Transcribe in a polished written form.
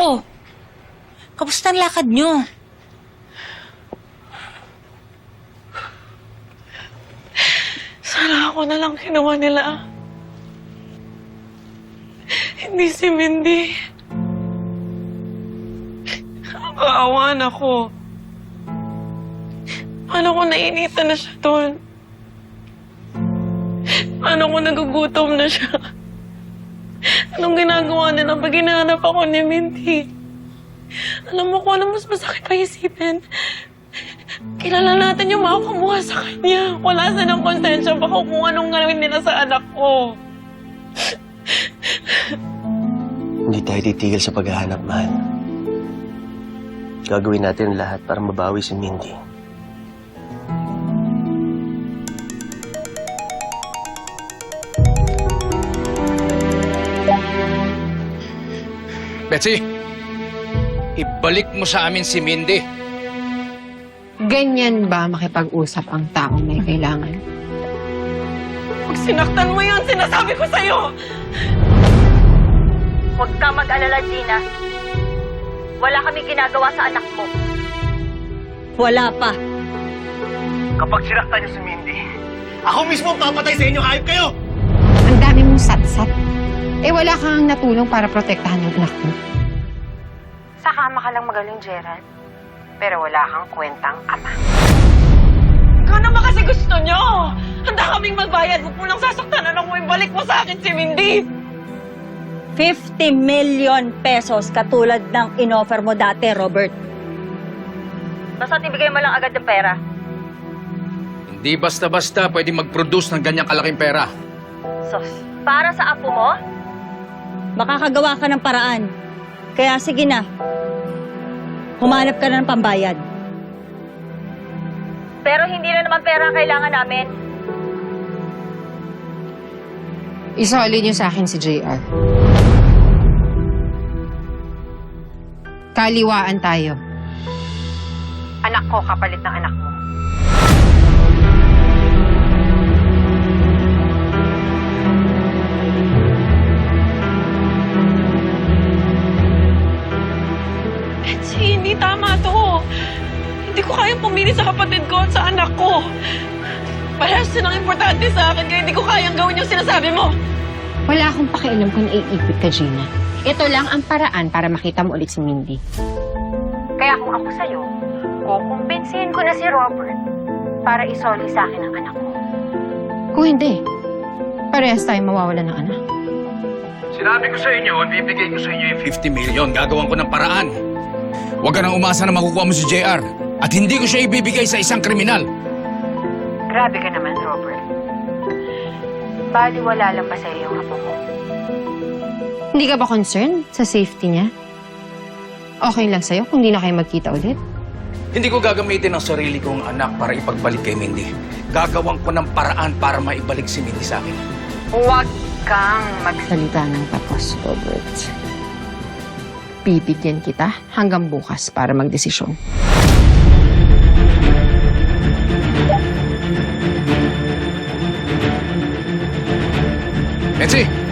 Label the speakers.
Speaker 1: Oh, kamusta ang lakad nyo?
Speaker 2: Sana ako na lang kinuha nila. Hindi si Mindy. Nakakaawan ako. Paano kung nainitan na siya doon? Paano kung nagugutom na siya? Anong ginagawa nila pag hinahanap ako ni Mindy? Alam mo kung ano mas masakit pa isipin? Kilala natin yung makakamuha sa kanya. Wala silang konsensya baka kung anong gawin nila sa anak ko.
Speaker 3: Hindi tayo titigil sa paghahanap, mahal. Gagawin natin lahat para mabawi si Mindy.
Speaker 4: Betsy, ibalik mo sa amin si Mindy.
Speaker 5: Ganyan ba makipag-usap ang taong may kailangan?
Speaker 2: Pag sinaktan mo yun, sinasabi ko sa'yo!
Speaker 6: Huwag kang mag-alala, Gina. Wala kami ginagawa sa anak mo.
Speaker 1: Wala pa.
Speaker 3: Kapag sinaktan niyo si Mindy, ako mismo ang papatay sa inyo, hayop kayo!
Speaker 5: Ang dami mong satsat. Eh wala kang natulong para protektahan yung anak mo. Sa kama ka lang magaling, Gerald. Pero wala kang kwentang ama.
Speaker 2: Ikaw naman kasi gusto nyo! Handa kaming magbayad. Huwag mo lang sasaktan anak mo. Ibalik mo sa akin si Mindy!
Speaker 1: 50 million pesos katulad ng inoffer mo dati, Robert.
Speaker 6: Basta't ibigay mo lang agad ng pera.
Speaker 4: Hindi basta-basta pwedeng mag-produce ng ganyang kalaking pera.
Speaker 6: Sos, para sa apo mo?
Speaker 1: Makakagawa ka ng paraan. Kaya sige na. Humanap ka na ng pambayad.
Speaker 6: Pero hindi na naman pera ang kailangan namin.
Speaker 5: Isoli niyo sa akin si JR. Kaliwaan tayo. Anak ko kapalit ng anak mo.
Speaker 2: Betsy, hindi tama to. Hindi ko kayang pumili sa kapatid ko at sa anak ko. Parehas silang importante sa akin, kaya hindi ko kayang gawin yung sinasabi mo.
Speaker 5: Wala akong pakialam kung naiipit ka, Gina. Ito lang ang paraan para makita mo ulit si Mindy.
Speaker 6: Kaya kung ako sa'yo, kukumbinsihin ko na si Robert para isoli sa akin ang anak ko.
Speaker 5: Kung hindi, parehas tayo mawawalan ng anak.
Speaker 4: Sinabi ko sa inyo, bibigay ko sa inyo yung 50 million. Gagawan ko ng paraan. Huwag ka nang umasa na makukuha mo si JR. At hindi ko siya ibibigay sa isang kriminal.
Speaker 5: Grabe ka naman, Robert. Baliwala lang ba sa'yo yung apo mo? Hindi ka ba concerned sa safety niya? Okay lang sa'yo kung hindi na kayo magkita ulit?
Speaker 4: Hindi ko gagamitin ang sarili kong anak para ipagbalik kay Mindy. Gagawan ko ng paraan para maibalik si Mindy sa akin.
Speaker 5: Huwag kang magsalita ng tapos, Robert. Bibigyan kita hanggang bukas para magdesisyon.
Speaker 4: Betsy!